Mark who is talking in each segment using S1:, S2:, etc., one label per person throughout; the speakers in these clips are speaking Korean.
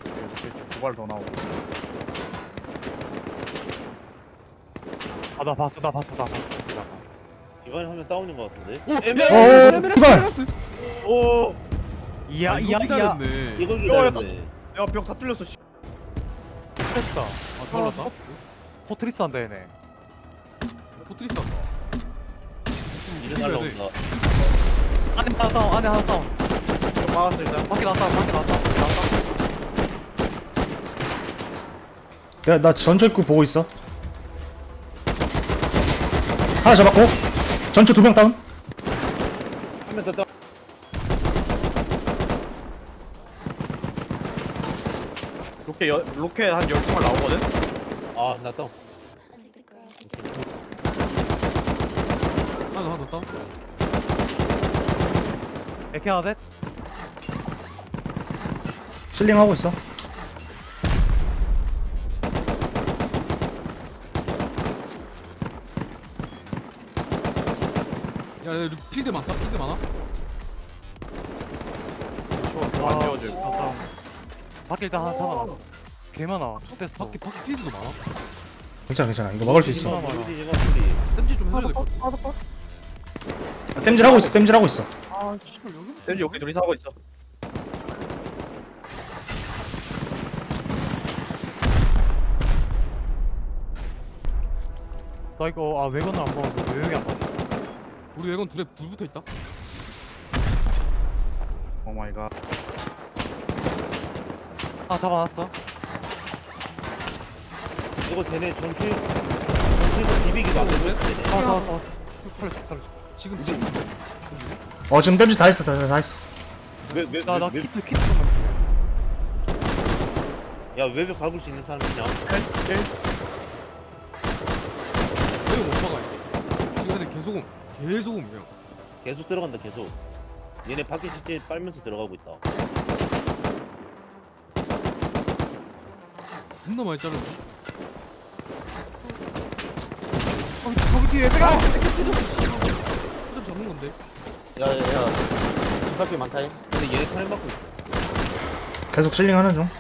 S1: 이렇게 두발 더 나오고.
S2: 아 나 봤어.
S3: 이번에 하면 다운인 것 같은데.
S4: 이발.
S1: 오,
S2: 이야
S4: 이거 기다렸네.
S3: 이걸
S1: 야,
S3: 기다렸네.
S1: 야 벽 다 뚫렸어. 씨.
S2: 됐다.
S4: 아 잘랐다.
S2: 포트리스 한다 얘네.
S4: 포트리스 한다.
S3: 이제 날라온다.
S2: 안에 하나 다운. 안에 하나 다운.
S1: 벽 막았어 일단.
S2: 밖에 나왔다.
S5: 야, 나 전초 입구 보고 있어. 하나 잡았고. 전초 2명 다운.
S3: 한명 더 다운.
S1: 로켓 한 10발 나오거든?
S3: 아, 나 다운.
S4: 하나 더 다운.
S2: 에케 하나 셋.
S5: 실링 하고 있어.
S4: 야 필드 많다. 필드 많아.
S1: 안 지워져.
S2: 밖에 일단 하나 잡아놨어. 개 많아. 됐어.
S4: 밖에 필드도 많아.
S5: 괜찮아. 이거 막을 수 있어.
S2: 많아.
S3: 소리.
S4: 땜질 좀 해줘야 될 것 같아.
S5: 땜질 하고 있어.
S1: 왠지 여기 둘이서 하고 있어.
S2: 나 이거 외관을 안 봐서 외형이 안 봐.
S4: 우리 외건 둘 붙어 있다.
S1: 오 마이 갓.
S2: 하나 잡아놨어.
S3: 이거 쟤네 전투에서 비비기도 안 되고.
S2: 하나 잡았어. 살려줘.
S4: 지금
S5: 지금 땜질 다 했어. 다 했어.
S2: 나 키트 좀만 주세요.
S3: 야, 외벽 밟을 수 있는 사람 있냐?
S4: 왜 못 막아 이거. 지금 근데 계속 그냥.
S3: 계속 들어간다, 계속. 얘네 밖에 실제 빨면서 들어가고 있다.
S4: 겁나 많이 자르네.
S6: 거기 뒤에 빼가.
S4: 필드 잡는 건데.
S3: 야. 집밖에 많다잉. 근데 얘네 턴을 맞고 있어.
S5: 계속 실링 하는 중.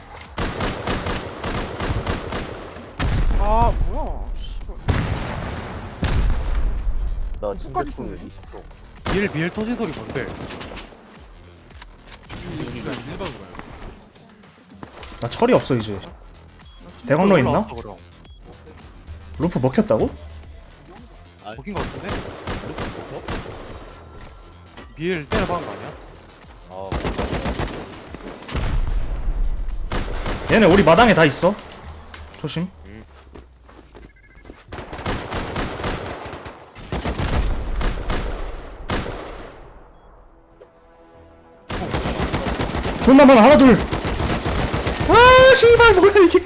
S6: 아 뭐야? 씨발.
S3: 나
S6: 끝까지
S3: 진짜
S6: 쏘네.
S3: 20초.
S2: 미엘 터진 소리 뭔데?
S4: 그냥 일반으로 가요.
S5: 나 철이 없어 이제. 대광로 있나?
S2: 올라왔어, 그럼.
S5: 루프 먹혔다고?
S2: 먹힌 거 같은데? 미엘 때려박은 거 아니야?
S3: 아,
S5: 얘네 우리 마당에 다 있어. 조심. 존나 많아. 하나 둘. 아 씨발 뭐야 이게.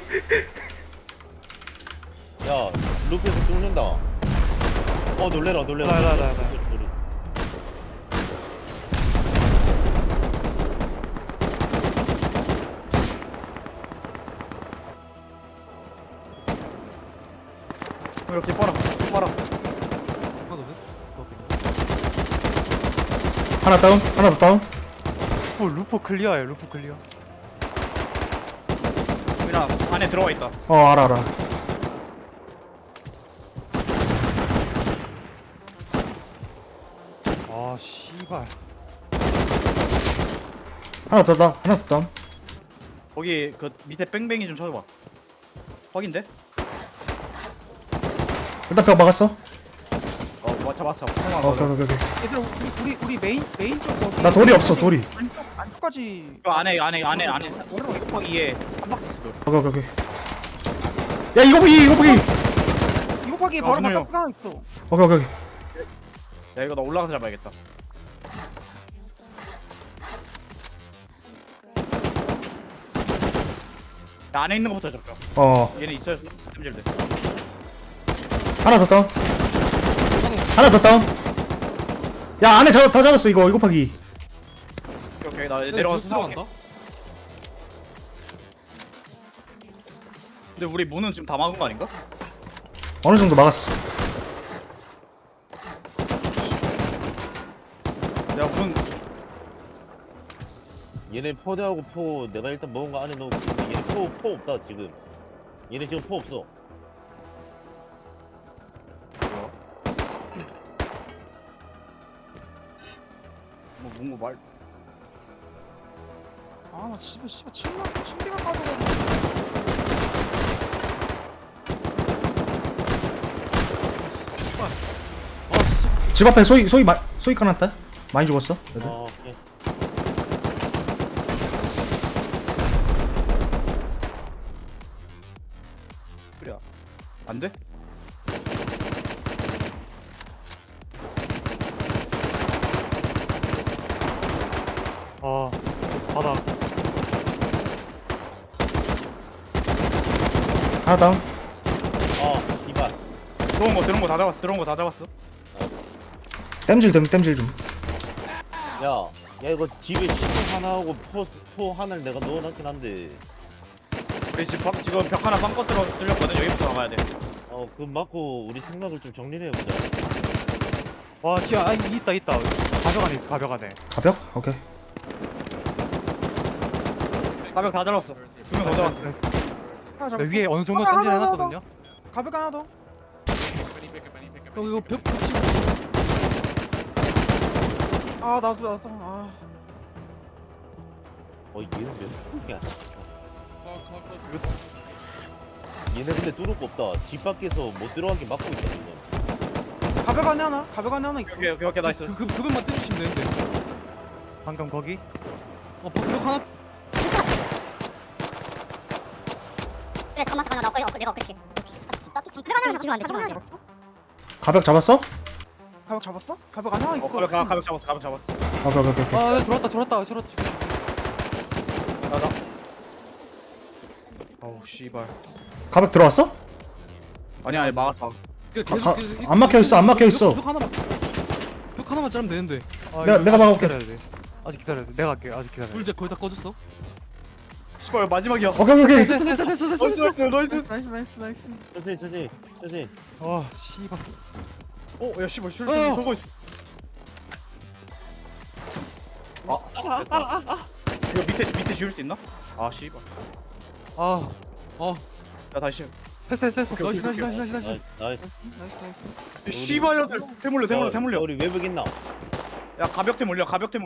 S3: 야, 루프에서 죽는다. 놀래라.
S2: 나.
S3: 소리.
S1: 이렇게 빨아.
S4: 하나 더 돼?
S5: 하나 다운. 하나 더 다운.
S2: 루프 클리어야. 루프 클리어.
S1: 민아 안에 들어가 있다.
S5: 알아.
S2: 아 씨발.
S5: 하나 더 다운.
S1: 거기 그 밑에 뺑뺑이 좀 쳐줘봐. 확인돼?
S5: 일단 벽 막았어.
S1: 잡았어.
S5: 오케이.
S6: 얘들아 우리 메인 쪽 거기.
S5: 나 돌이 없어. 돌이.
S6: 안쪽까지.
S1: 그 안에 곱하기에 한 박스 있어.
S5: 오케이. 야 이거 보기.
S6: 이거 파기
S1: 야,
S6: 바로
S1: 준호요.
S6: 바깥 하나 있어.
S5: 오케이.
S1: 야 이거 나 올라가서 잡아야겠다. 야, 안에 있는 거부터 잡자. 얘네 있어야 템질돼.
S5: 하나 더 다운. 야 안에 다 잡았어. 이거 파기.
S1: 오케이 나 내려가서 사올게.
S4: 들어간다.
S1: 근데 우리 문은 지금 다 막은 거 아닌가?
S5: 어느 정도 막았어.
S1: 야 문.
S3: 얘네 포대하고 포 내가 일단 먹은 거 안에 넣고 있는데 얘네 포 없다 지금. 얘네 지금 포 없어.
S1: 뭐 뭔가 말.
S6: 아나 집에 씨발 침대가 빠져가지고.
S5: 집 앞에 소이 까놨다. 많이 죽었어. 애들.
S3: 오케이.
S1: 그래. 안 돼?
S2: 아 바닥.
S5: 하나 다운.
S3: 이발.
S1: 들어온 거 다 잡았어. 들어온 거 다 잡았어.
S5: 땜질 좀.
S3: 야 이거 집에 시체 하나하고 포 하나를 내가 넣어놨긴 한데.
S1: 우리 지금 벽 하나 빵 뚫렸거든. 여기부터 나가야 돼.
S3: 그 맞고 우리 생각을 좀 정리를 해보자.
S2: 와 지금 아 있다. 가벽 안에 있어 가벽 안에.
S5: 가벽? 오케이.
S1: 가벽 다 잡았어. 두 명 더 잡았어.
S2: 나이스.
S6: 하나
S2: 나
S6: 잡았어.
S2: 위에 어느 정도
S6: 하나,
S2: 던질
S6: 하나,
S2: 해놨거든요.
S6: 가벽 하나 더.
S4: 형 이거 벽 붙이고
S6: 아 나도. 아
S3: 얘는 몇 개야? 얘네 근데 뚫을 거 없다. 집 밖에서 못 들어가게 막고 있다 지금.
S6: 가벽 안에 하나 있어.
S1: 오케이 나이스.
S4: 그 벽만 때리시면 되는데.
S2: 방금 거기.
S4: 벽 하나.
S7: 그래 잠깐만 나 내가 엎을게 지금 안돼
S5: 가벽 잡았어?
S6: 가벽 잡았어? 가벽 안에 하나 있어.
S1: 가벽 잡았어.
S5: 오케이.
S2: 아 들어왔다.
S1: 나다. 어우 씨발.
S5: 가벽 들어왔어?
S1: 아니 막았어.
S5: 안 막혀 있어.
S4: 벽 하나만 자르면 되는데.
S2: 아,
S5: 내가
S2: 이거
S5: 막아볼게.
S2: 아직 기다려야 돼. 내가 할게. 아직 기다려.
S4: 불 이제 거의 다 꺼졌어.
S1: 씨발 마지막이야.
S5: 오케이.
S4: 됐어.
S1: 나이스.
S6: 나이스.
S3: 천천히.
S2: 아 씨발.
S1: 야 씨발 술 쏘고 있어. 이거 밑에 지울 수 있나? 아 씨발.
S2: 아
S1: 야 다시.
S2: 했어.
S1: 오케이.
S3: 나이스.
S6: 나이스.
S1: 씨발려들 태물려.
S3: 우리 외벽 있나?
S1: 야 가벽대 물려.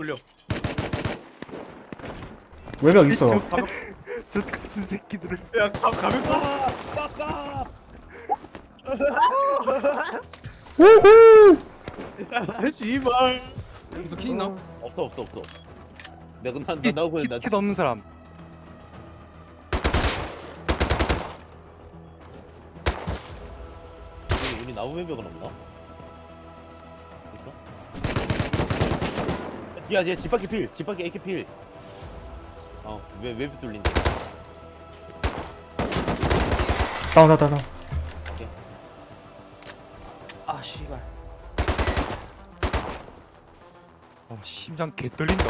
S5: 외벽 있어.
S1: 가벽.
S2: 저 같은 새끼들을.
S1: 야 가벽대.
S5: 우후.
S1: 야 씨발.
S4: 여기서 키 있나?
S3: 없어. 내가 나 나오고 나.
S2: 키도 없는 사람.
S3: 우리 나무 외벽은 없나? 있어? 야, 집 밖에 AK 필. 왜 외벽 뚫린다.
S5: 다운.
S1: 아 씨발.
S2: 심장 개 떨린다.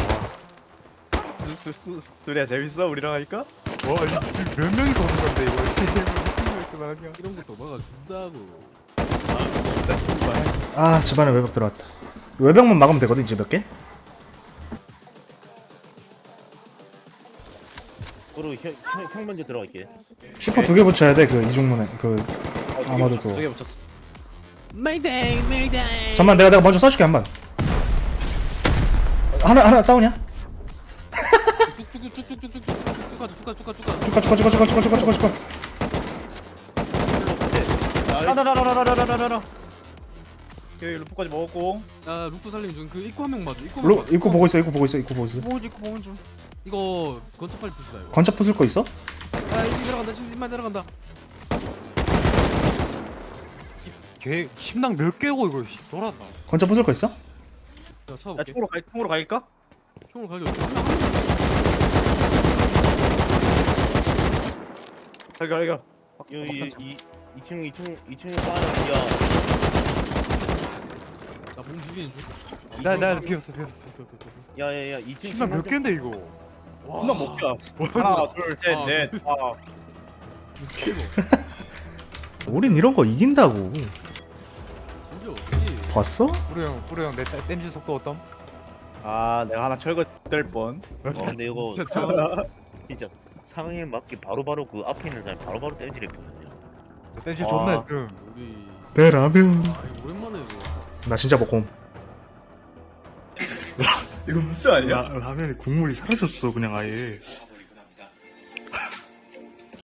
S1: 수리야 재밌어 우리랑 하니까?
S2: 와 지금 몇 명이서 오는 건데 이거 씨.
S4: 이런 것도 막아준다고.
S5: 아 집안에 외벽 들어왔다. 외벽만 막으면 되거든 이제 몇 개?
S3: 그리고 형 먼저 들어갈게.
S5: 시퍼 2개 붙여야 돼 그 이중문에 그 아마도 또.
S1: 두개 붙였어.
S4: 메이데이.
S5: 잠만 내가 먼저 쏴줄게 한 번. 하나 다운이야? 쭉가.
S1: 라라라라라라라라라. 여기 루프까지 먹었고.
S4: 야 루프 살림 중그 입구 한 명 맞아.
S5: 입구 보고 있어.
S6: 보고 중.
S4: 이거 건차 빨리 부시다 이거.
S5: 건차 부술 거 있어?
S4: 집만 내려간다.
S2: 개 심장 몇 개고 이거 씨 돌았다.
S5: 건차 부술 거 있어?
S4: 자
S1: 야
S4: 찾아볼게.
S1: 총으로 갈까?
S4: 총으로 가게 어떻게?
S1: 갈겨.
S3: 여기 2층에 빠져.
S4: 나몸 비비는 중.
S2: 나 비었어.
S3: 야야야 2층
S2: 심장 몇 개인데 이거.
S1: 존나 못 가. 하나 둘셋넷 다.
S5: 우린 이런 거 이긴다고.
S4: 진짜 어떻게?
S5: 봤어?
S2: 뿌려 형 내 땜질 속도 어떤?
S1: 아 내가 하나 철거 될 뻔.
S3: 근데 이거
S4: 진짜 저
S3: 진짜 상황에 맞게 바로바로 그 앞에 있는 사람 바로바로 땜질했거든요.
S2: 댄시
S3: 아.
S2: 존나 했음.
S4: 우리
S5: 내 라면.
S4: 아 이거 오랜만에 이거.
S5: 나 진짜 먹고.
S1: 이거 무슨 아니야?
S5: 라면에 국물이 사라졌어 그냥 아예.